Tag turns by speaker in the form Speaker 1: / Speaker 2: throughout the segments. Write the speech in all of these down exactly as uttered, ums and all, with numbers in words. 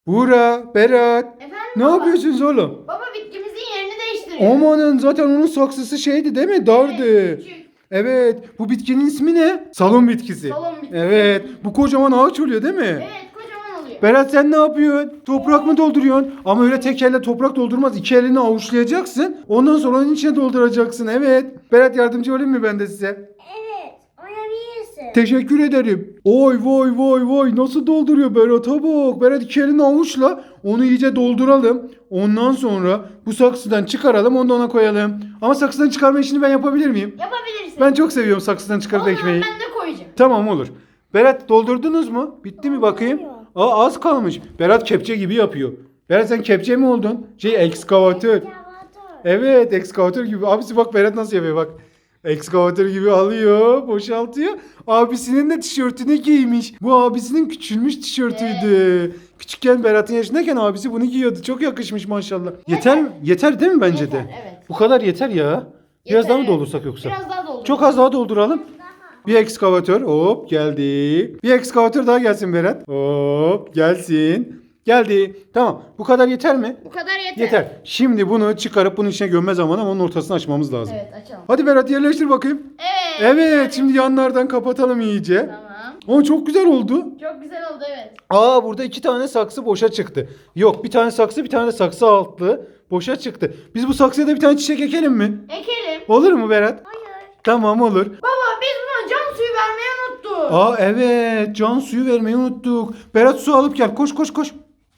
Speaker 1: Buğra, Berat.
Speaker 2: Efendim
Speaker 1: Ne
Speaker 2: baba?
Speaker 1: yapıyorsunuz oğlum?
Speaker 2: Baba bitkimizin yerini değiştiriyor.
Speaker 1: Amanın zaten onun saksısı şeydi değil mi? Dardı.
Speaker 2: Evet, küçük.
Speaker 1: Evet. Bu bitkinin ismi ne? Salon bitkisi.
Speaker 2: Salon bitkisi.
Speaker 1: Evet. Bu kocaman ağaç oluyor değil mi?
Speaker 2: Evet kocaman oluyor.
Speaker 1: Berat sen ne yapıyorsun? Toprak mı dolduruyorsun? Ama öyle tek elle toprak doldurmaz. İki elini avuçlayacaksın. Ondan sonra onun içine dolduracaksın. Evet. Berat yardımcı olayım mı ben de size?
Speaker 3: Evet, oynayabilirsin.
Speaker 1: Teşekkür ederim. Oy vay vay vay nasıl dolduruyor Berat'a bak. Berat iki elini avuçla onu iyice dolduralım. Ondan sonra bu saksıdan çıkaralım onu da ona koyalım. Ama saksıdan çıkarma işini ben yapabilir miyim?
Speaker 2: Yapabilirsin.
Speaker 1: Ben çok seviyorum saksıdan çıkarıp
Speaker 2: O zaman
Speaker 1: ekmeği.
Speaker 2: ben de koyacağım.
Speaker 1: Tamam olur. Berat doldurdunuz mu? Bitti mi bakayım? Aa az kalmış. Berat kepçe gibi yapıyor. Berat sen kepçe mi oldun? Şey ekskavatör. Evet ekskavatör gibi. Abisi bak Berat nasıl yapıyor bak. Ekskavatör gibi alıyor, boşaltıyor. Abisinin de tişörtünü giymiş. Bu abisinin küçülmüş tişörtüydü. Küçükken Berat'ın yaşındayken abisi bunu giyiyordu. Çok yakışmış maşallah. Yeter mi? Yeter değil mi bence de?
Speaker 2: Yeter, evet.
Speaker 1: Bu kadar yeter ya. Biraz
Speaker 2: Yeter,
Speaker 1: daha mı
Speaker 2: evet.
Speaker 1: doldursak yoksa?
Speaker 2: Biraz daha doldur.
Speaker 1: Çok az daha dolduralım. Bir ekskavatör hop geldi. Bir ekskavatör daha gelsin Berat. Hop gelsin. Geldi. Tamam. Bu kadar yeter mi?
Speaker 2: Bu kadar yeter.
Speaker 1: Yeter. Şimdi bunu çıkarıp bunun içine gömme zamanı ama onun ortasını açmamız lazım.
Speaker 2: Evet açalım.
Speaker 1: Hadi Berat yerleştir bakayım.
Speaker 2: Evet.
Speaker 1: Evet. Şimdi yanlardan kapatalım iyice.
Speaker 2: Tamam.
Speaker 1: Ama çok güzel oldu.
Speaker 2: Çok güzel oldu evet.
Speaker 1: Aa burada iki tane saksı boşa çıktı. Yok bir tane saksı bir tane de saksı altlı boşa çıktı. Biz bu saksıya da bir tane çiçek ekelim mi?
Speaker 2: Ekelim.
Speaker 1: Olur mu Berat?
Speaker 3: Hayır.
Speaker 1: Tamam olur.
Speaker 2: Baba biz buna can suyu vermeyi unuttuk.
Speaker 1: Aa evet can suyu vermeyi unuttuk. Berat su alıp gel koş koş koş.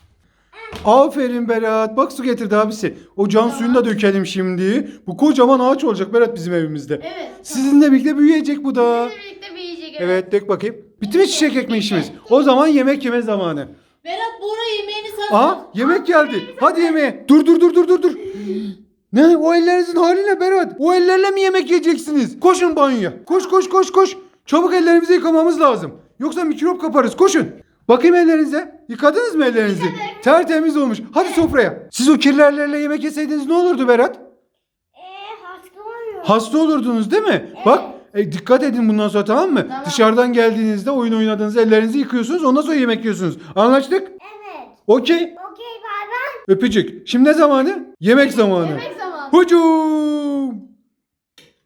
Speaker 1: Aferin Berat. Bak su getirdi abisi. O can suyunu da dökelim şimdi. Bu kocaman ağaç olacak Berat bizim evimizde.
Speaker 2: Evet.
Speaker 1: Sizinle birlikte büyüyecek bu da.
Speaker 2: Bizimle birlikte büyüyecek.
Speaker 1: Evet dök bakayım. Bitti mi çiçek ekme işimiz? O zaman yemek yeme zamanı.
Speaker 4: Berat Buğra yemeğini sana.
Speaker 1: Aa yemek geldi. Hadi yemeğe. Dur dur dur dur dur dur. Ne o ellerinizin hali ne Berat? O ellerle mi yemek yiyeceksiniz? Koşun banyoya. Koş koş koş koş. Çabuk ellerimizi yıkamamız lazım. Yoksa mikrop kaparız. Koşun. Bakayım ellerinize. Yıkadınız mı ellerinizi? Tertemiz olmuş. Hadi sofraya. Siz o kirli ellerle yemek yeseydiniz ne olurdu Berat?
Speaker 3: Ee, hasta oluyor.
Speaker 1: Hasta olurdunuz değil mi? Bak e, dikkat edin bundan sonra tamam mı?
Speaker 2: Tamam.
Speaker 1: Dışarıdan geldiğinizde oyun oynadığınızda ellerinizi yıkıyorsunuz. Ondan sonra yemek yiyorsunuz. Anlaştık?
Speaker 3: Evet.
Speaker 1: Okey.
Speaker 3: Okey bay bay.
Speaker 1: Öpücük. Şimdi ne zamanı? Yemek zamanı.
Speaker 2: Yemek zamanı.
Speaker 1: Hucum.